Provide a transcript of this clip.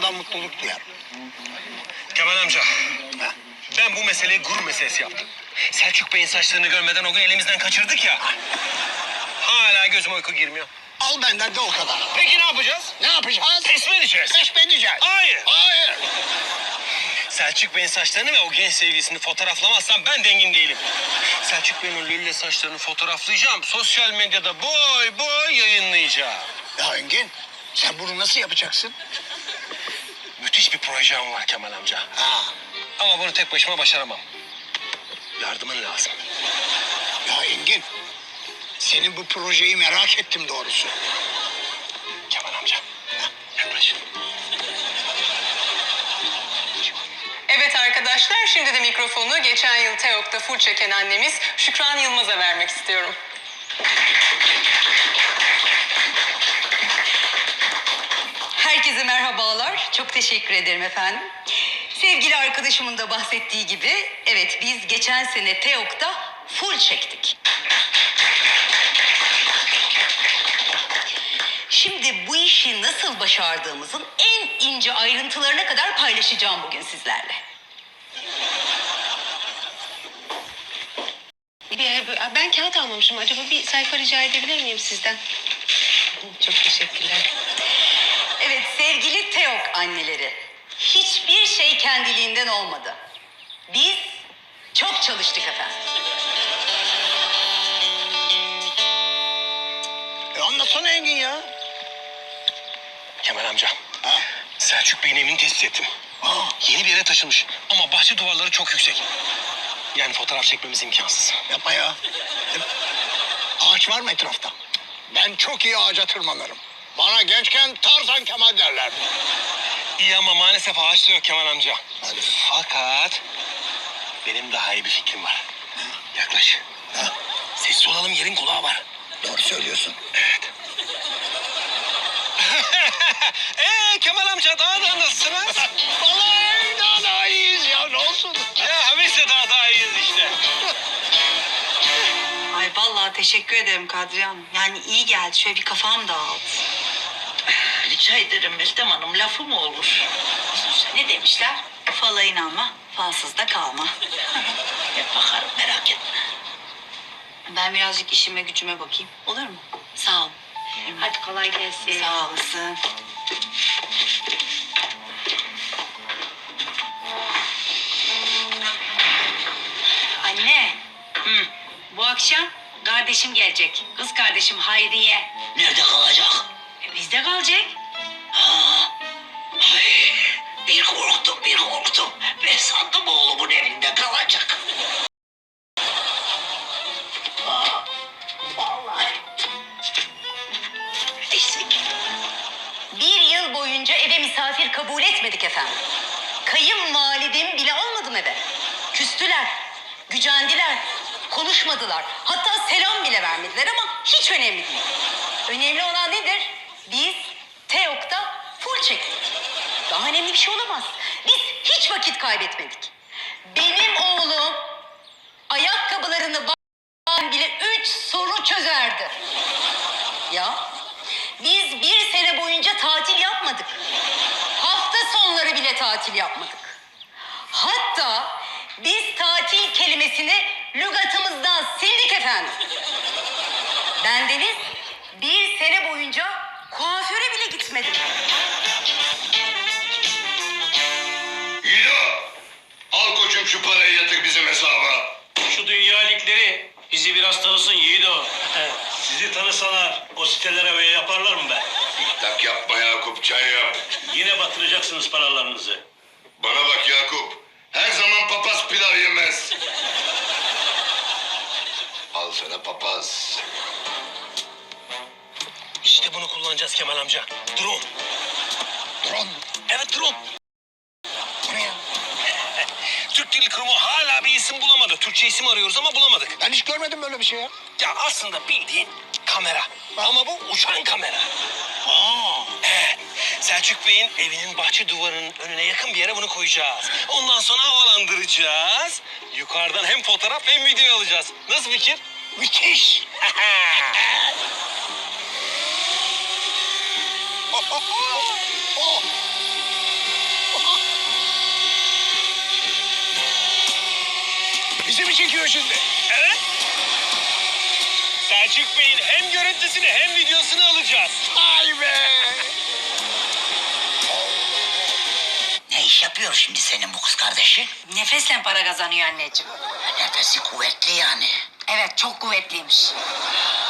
daha mutluluk duyar. Kemal amca, Ha. ben bu meseleyi gurur meselesi yaptım. Selçuk Bey'in saçlarını görmeden o gün elimizden kaçırdık ya. Hala gözüme uyku girmiyor. Al benden de o kadar. Peki ne yapacağız? Ne yapacağız? Teslim edeceğiz. Teslim edeceğiz. Hayır. Hayır. Selçuk Bey'in saçlarını ve o genç sevgilisini fotoğraflamazsam ben dengin değilim. Selçuk Bey'in o lülle saçlarını fotoğraflayacağım. Sosyal medyada boy boy yayınlayacağım. Ya Engin, sen bunu nasıl yapacaksın? Müthiş bir projem var Kemal amca. Ha. Ama bunu tek başıma başaramam. Yardımın lazım. Ya Engin, senin bu projeyi merak ettim doğrusu. Kemal amca. Yaklaş. Evet arkadaşlar, şimdi de mikrofonu geçen yıl TEOK'ta full çeken annemiz Şükran Yılmaz'a vermek istiyorum. Herkese merhabalar. Çok teşekkür ederim efendim. Sevgili arkadaşımın da bahsettiği gibi, evet biz geçen sene TEOK'ta full çektik. Şimdi bu işi nasıl başardığımızın en ince ayrıntılarına kadar paylaşacağım bugün sizlerle. Ben kağıt almamışım. Acaba bir sayfa rica edebilir miyim sizden? Çok teşekkürler. Evet sevgili TEOK anneleri, hiçbir şey kendiliğinden olmadı. Biz çok çalıştık efendim. Anlatsana Engin ya. Kemal amca. Ha. Selçuk Bey'in evini tespit ettim. Ha. Yeni bir yere taşınmış ama bahçe duvarları çok yüksek. Yani fotoğraf çekmemiz imkansız. Yapma ya. Ağaç var mı etrafta? Ben çok iyi ağaca tırmanırım. Bana gençken Tarzan Kemal derlerdi. İyi ama maalesef ağaç da yok Kemal amca. Hadi. Fakat benim daha iyi bir fikrim var. Yaklaş. Ha. Sessiz olalım, yerin kulağı var. Doğru söylüyorsun. Evet. Kemal amca daha nasılsınız? Vallahi daha iyiyiz ya, ne olsun? Ya biz de daha iyiyiz işte. Ay vallahi teşekkür ederim Kadriye Hanım. Yani iyi geldi. Şöyle bir kafam dağıldı. Rica ederim Meltem Hanım, lafı mı olur? Ne demişler? Fala inanma, falsız da kalma. Hep bakarım, merak etme. Ben birazcık işime gücüme bakayım. Olur mu? Sağ ol. Hadi kolay gelsin. Sağ olasın. Anne. Bu akşam kardeşim gelecek. Kız kardeşim Hayriye. Nerede kalacak? Bizde kalacak. Ay, bir korktum. Ben sandım oğlumun evinde kalacak. Vallahi. Neyse ki. Bir yıl boyunca eve misafir kabul etmedik efendim. Kayınvalidem bile almadım eve. Küstüler, gücendiler, konuşmadılar. Hatta selam bile vermediler ama hiç önemli değil. Önemli olan nedir? Biz TEOK'ta full çektik. Daha önemli bir şey olamaz. Biz hiç vakit kaybetmedik. Benim oğlum ayakkabılarını bağlayan bile 3 soru çözerdi. Ya biz bir sene boyunca tatil yapmadık. Hafta sonları bile tatil yapmadık. Hatta biz tatil kelimesini lügatımızdan sildik efendim. Bendeniz bir sene boyunca kuaföre bile gitmedim. Yiğido, al koçum şu parayı yatır bizim hesaba. Şu dünya ligleri bizi biraz tanısın Yiğido. Sizi tanısalar o sitelere öyle yaparlar mı be? Tak yapma Yakup, çay yap. Yine batıracaksınız paralarınızı. Bana bak Yakup, her zaman papaz pilav yemez. Al sana papaz. İşte bunu kullanacağız Kemal amca. Drone. Drone. Evet drone. Bu ne ya? Türk Dil Kurumu hala bir isim bulamadı. Türkçe isim arıyoruz ama bulamadık. Ben hiç görmedim böyle bir şey ya. Ya aslında bildiğin kamera. Ama bu uçan kamera. Aa. Evet. Selçuk Bey'in evinin bahçe duvarının önüne yakın bir yere bunu koyacağız. Ondan sonra havalandıracağız. Yukarıdan hem fotoğraf hem video alacağız. Nasıl fikir? Müthiş. Oh. Selfie'si mi çekiyor şimdi? Evet. Selçuk Bey'in hem görüntüsünü hem videosunu alacağız. Ay be! Ne iş yapıyor şimdi senin bu kız kardeşin? Nefesle para kazanıyor anneciğim. Nefesi kuvvetli yani. Evet çok kuvvetliymiş.